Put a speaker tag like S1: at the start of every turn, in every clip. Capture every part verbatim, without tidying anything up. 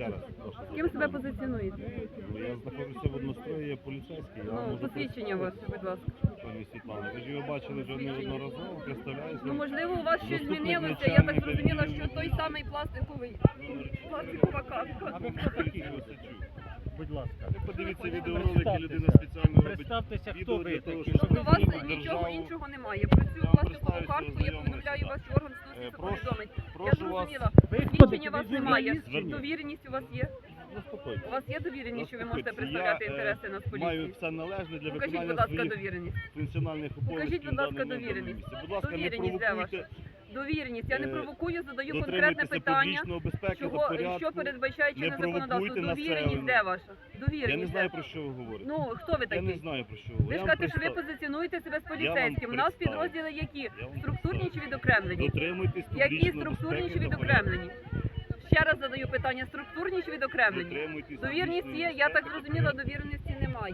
S1: раз. Прошу.
S2: Ким себе позиціонуєте?
S1: Я знаходжуся в однострої, я поліцейський. Я
S2: Ну,
S1: можу
S2: посвідчення ваше, будь ласка.
S1: Пані Світлана, ви ж його бачили вже неодноразово, представляюся.
S2: Ну, можливо, у вас щось
S1: Заступник
S2: змінилося. Я
S1: начальника
S2: так зрозуміла,
S1: відділу.
S2: що той самий пластиковий пластикова каска.
S3: А ви хто такий?
S1: Осадчук.
S3: Будь ласка.
S1: Ви подивіться
S3: Представтеся.
S1: відеоролики, людина спеціально робить
S3: Представтеся, хто
S1: відео
S3: ви
S1: для того,
S3: такі,
S1: щоб
S3: що
S2: Тобто у вас
S1: знімати
S2: нічого
S1: державу.
S2: іншого немає. Про цю
S1: Я вам
S2: пластикову
S1: представлюся,
S2: картку я
S1: ознайомлюся.
S2: повідомляю вас, що орган
S1: Е,
S2: стосується
S1: прошу-
S2: повідомить. Я
S1: прошу вас-
S2: зрозуміла.
S3: Ви хто
S2: Свідчення у
S3: такі?
S2: вас
S3: Ви
S2: немає.
S3: журналіст?
S2: Довіреність у вас є?
S1: Заспокойтесь.
S2: У вас є довіреність, що ви можете
S1: Заспокойтесь.
S2: представляти
S1: Я, е,
S2: інтереси нас
S1: Маю
S2: поліції?
S1: все належне для
S2: Покажіть,
S1: виконання
S2: будь ласка,
S1: своїх
S2: довіреність.
S1: функціональних обов'язків.
S2: Покажіть, будь
S1: в
S2: ласка,
S1: даному
S2: довіреність.
S1: місці. Будь ласка, не
S2: Довіреність де ваша?
S1: провокуйте,
S2: Довіреність. Я не
S1: Е,
S2: провокую, задаю конкретне
S1: дотримуйтеся
S2: питання.
S1: публічної безпеки та
S2: Чого,
S1: порядку.
S2: що передбачає чинне
S1: Не
S2: законодавство?
S1: провокуйте
S2: Довіреність де
S1: населення.
S2: ваша?
S1: Я
S2: Довіреність
S1: не
S2: де?
S1: знаю, про що ви говорите.
S2: Ну, хто ви
S1: Я не
S2: такий?
S1: знаю, про що ви
S2: Ви
S1: говорите.
S2: ж
S1: Я вам
S2: кажете, що ви
S1: представ-
S2: позиціонуєте себе з
S1: Я вам
S2: поліцейським. У нас
S1: представлю.
S2: підрозділи які?
S1: Я вам
S2: Структурні чи
S1: представлю.
S2: відокремлені?
S1: Дотримуйтесь
S2: Які
S1: публічної
S2: структурні
S1: безпеки
S2: чи
S1: та порядку.
S2: відокремлені? Ще раз задаю питання, структурні чи відокремлені?
S1: Дотримуйтесь
S2: Довірність
S1: публічної
S2: є, я так
S1: безпеки та
S2: зрозуміла,
S1: порядку.
S2: довіреності немає.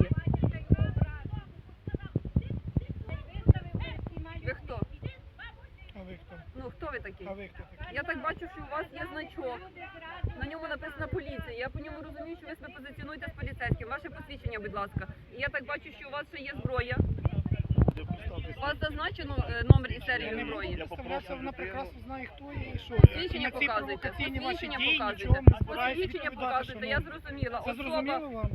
S2: Ви хто?
S4: А ви хто?
S2: Ну, хто ви такий?
S4: А ви хто такий?
S2: Я так бачу, що у вас є значок. На ньому написано поліція. Я по ньому розумію, що ви себе позиціонуєте з поліцейським. Ваше посвідчення, будь ласка. І я так бачу, що у вас ще є зброя.
S1: Я представлюсь.
S2: У вас зазначено е, номер і
S4: Я
S2: серію
S4: не
S2: зброї.
S4: буду
S1: Я
S4: представлятися,
S1: попрошу
S4: вона
S1: людину.
S4: прекрасно знає, хто є і що.
S2: Посвідчення
S4: На ці
S2: показуйте.
S4: провокаційні ваші
S2: Посвідчення
S4: дії
S2: показуйте.
S4: нічого не збираюсь
S2: Посвідчення
S4: відповідати,
S2: показуйте. Я
S4: шановні.
S2: зрозуміла.
S4: Це
S2: Особа,
S4: зрозуміло вам?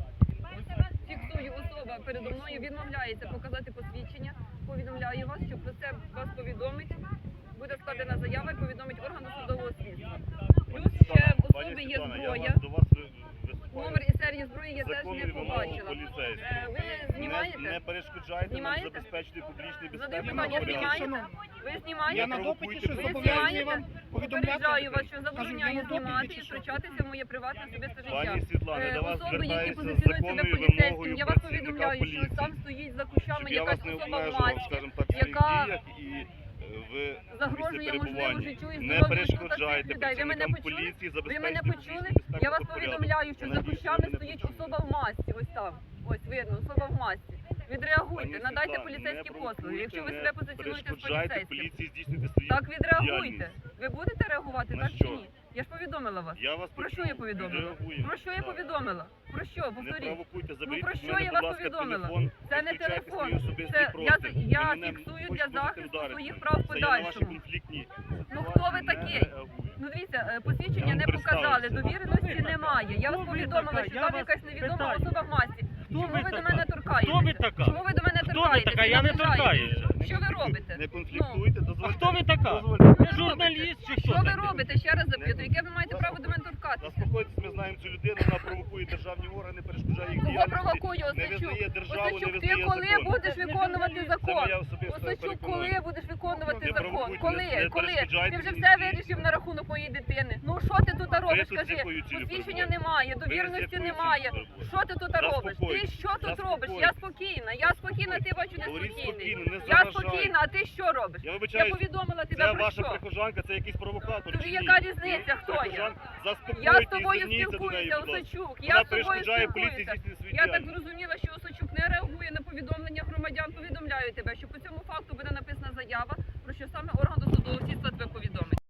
S2: фіксую, особа передо мною відмовляється показати посвідчення. Повідомляю вас, що про це вас повідомить. Буде складена заява і повідомить орган досудового слідства. Плюс ще в
S1: Пані
S2: особи є
S1: Світлана, я
S2: зброя.
S1: вас- до вас ви- виступаю.
S2: Номер і серію зброї я теж
S1: Законної
S2: не
S1: вимоги
S2: побачила.
S1: поліцейського.
S2: Е, Ви
S1: Не,
S2: знімаєте?
S1: не перешкоджайте нам
S2: Знімаєте?
S1: забезпечити публічний
S2: Задаю
S1: безпеки та
S2: питання,
S1: порядок.
S2: знімаєте?
S4: Шановні,
S2: Ви
S4: Я
S2: знімаєте?
S4: на допиті, що
S1: Ви
S4: зобов'язаний вам
S2: знімаєте?
S4: повідомляти.
S2: Попереджаю вас, що
S4: Кажу,
S2: забороняю
S4: я на допиті
S2: знімати
S4: чи
S2: і
S4: що?
S2: втручатися в моє приватне особисте життя.
S1: Пані Світлана,
S2: Е,
S1: до вас
S2: Особи, які
S1: звертаються з
S2: позиціонують себе
S1: законною
S2: поліцейським,
S1: вимогою
S2: я вас
S1: працівника
S2: повідомляю, що
S1: поліції.
S2: там стоїть за кущами
S1: Щоб я
S2: якась
S1: вас не
S2: особа в
S1: обмежував,
S2: масці,
S1: скажімо так, в своїх
S2: яка
S1: діях і е, ви
S2: загрожує, можливо, життю і
S1: не
S2: здоров'ю
S1: перешкоджайте
S2: цих людей. Ви мене
S1: працівникам
S2: почули?
S1: поліції
S2: Ви
S1: забезпечити
S2: мене
S1: публічну
S2: почули?
S1: безпеку
S2: Я вас
S1: та порядок.
S2: повідомляю, що
S1: Я
S2: за
S1: надіюсь,
S2: кущами
S1: ви мене
S2: стоїть
S1: почули.
S2: особа в масці. Ось там. Ось видно, особа в масці. Відреагуйте,
S1: Пані
S2: надайте
S1: Світлана,
S2: поліцейські
S1: не
S2: послуги.
S1: провокуйте,
S2: Якщо ви
S1: не
S2: себе позиціонуєте з
S1: перешкоджайте
S2: поліцейським.
S1: поліції здійснити свої
S2: Так відреагуйте.
S1: діяльність.
S2: Ви будете реагувати,
S1: На
S2: так
S1: що?
S2: чи ні? Я ж повідомила вас.
S1: Я вас
S2: Про що
S1: почув,
S2: я повідомила?
S1: відреагуємо.
S2: Про що я
S1: Так.
S2: повідомила? Про що?
S1: Не
S2: Повторіть.
S1: провокуйте,
S2: Ну
S1: заберіть
S2: про
S1: від
S2: що
S1: мене,
S2: я
S1: будь
S2: вас
S1: ласка,
S2: повідомила?
S1: телефон.
S2: Це не
S1: Виключайте
S2: телефон.
S1: свій особистий
S2: Це я,
S1: простір.
S2: я
S1: Ви мене
S2: фіксую
S1: хоч
S2: для
S1: можете
S2: захисту
S1: вдарити.
S2: своїх прав в
S1: Це я на ваші
S2: подальшому.
S1: конфліктні
S2: Ну хто ви
S1: ситуації не
S2: такий?
S1: реагую.
S2: Ну дивіться, е, посвідчення
S1: Я
S2: не
S1: вам
S2: показали,
S1: представився.
S2: довіреності
S3: Хто ви
S2: немає. Я вас
S3: Хто ви
S2: повідомила,
S3: така?
S2: що
S3: Я
S2: там
S3: вас
S2: якась невідома
S3: питаю.
S2: особа в масці.
S3: Хто
S2: Чому
S3: ви
S2: ви до
S3: така?
S2: мене торкаєтеся?
S3: Хто ви така?
S2: Чому ви до мене
S3: Хто ви
S2: торкаєтеся?
S3: така? Я не
S2: наближаєтеся?
S3: торкаюся.
S2: Що ви робите?
S1: Не конфліктуйте,
S3: А
S1: дозвольте.
S3: хто ви така?
S1: дозвольте.
S3: Ви журналіст чи що
S2: Що ви
S3: таке?
S2: робите? Ще раз запитую. Яке ви маєте право до мене торкатися?
S1: Заспокойтесь, ми знаємо цю людину, вона провокує державні органи, перешкоджає їх
S2: Кого
S1: діяльності.
S2: провокує
S1: Не
S2: Осачук?
S1: визнає державу, не
S2: Осачук, ти
S1: визнає
S2: коли
S1: закон.
S2: будеш виконувати
S1: Це
S2: закон?
S1: моя особиста
S2: Осачук, коли
S1: переконання.
S2: будеш виконувати
S1: Не
S2: закон?
S1: провокуйте,
S2: Коли?
S1: не
S2: Коли?
S1: перешкоджайте
S2: Ти вже
S1: мені
S2: все
S1: діяти.
S2: вирішив на рахунок моєї дитини. Ну що ти тут робиш?
S1: тут з
S2: Скажи,
S1: якою цілею
S2: посвідчення
S1: перебуваєте?
S2: немає,
S1: Ви з
S2: довіреності
S1: якою
S2: немає.
S1: цілею перебуваєте?
S2: Що ти тут робиш? Ти
S1: Заспокойтесь,
S2: що тут робиш? Я
S1: заспокойтесь.
S2: спокійна, я спокійна, ти бачу не
S1: Говоріть
S2: спокійний.
S1: спокійно, не
S2: Я
S1: заважайте.
S2: спокійна, а ти що робиш?
S1: Я
S2: Я
S1: вибачаюсь,
S2: повідомила тебе
S1: це
S2: про
S1: ваша
S2: що?
S1: прихожанка, це якийсь провокатор.
S2: Тобі
S1: чи ні?
S2: яка різниця, хто я?
S1: Прихожанка, заспокойтесь,
S2: Я з тобою
S1: зверніться до неї,
S2: спілкуюся,
S1: будь ласка.
S2: Осачук.
S1: Вона
S2: Я з тобою
S1: перешкоджає поліції
S2: спілкуюся.
S1: здійснити свою
S2: Я так
S1: діяльність.
S2: зрозуміла, що Осачук не реагує на повідомлення громадян. Повідомляю тебе, що по цьому факту буде написана заява, про що саме орган досудового слідства тебе повідомить.